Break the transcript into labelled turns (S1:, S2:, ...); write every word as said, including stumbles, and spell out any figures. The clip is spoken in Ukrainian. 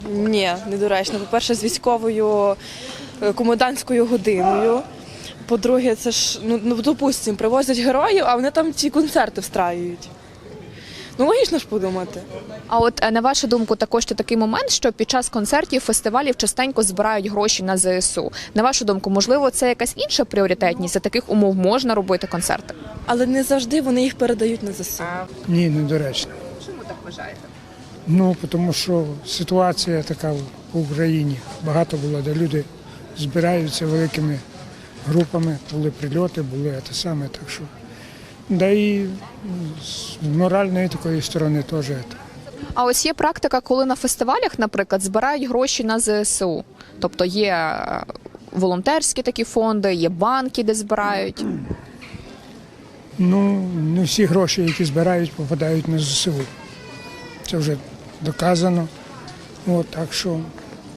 S1: Ні, недоречно. По-перше, з військовою е, комендантською годиною. По-друге, це ж, ну, ну допустимо, привозять героїв, а вони там ці концерти встраюють. Ну, логічно ж подумати.
S2: А от е, на вашу думку, також є такий момент, що під час концертів, фестивалів частенько збирають гроші на зе ес у. На вашу думку, можливо, це якась інша пріоритетність? За таких умов можна робити концерти?
S1: Але не завжди вони їх передають на зе ес у.
S3: Ні, недоречно.
S2: Чому так вважаєте?
S3: Ну, тому що ситуація така в Україні. Багато було, де люди збираються великими групами, були прильоти, були те саме, так що. Да і з моральної такої сторони теж. це.
S2: А ось є практика, коли на фестивалях, наприклад, збирають гроші на зе ес у. Тобто є е, волонтерські такі фонди, є банки, де збирають.
S3: Ну, не всі гроші, які збирають, попадають на зе ес у. Це вже доказано. От, так що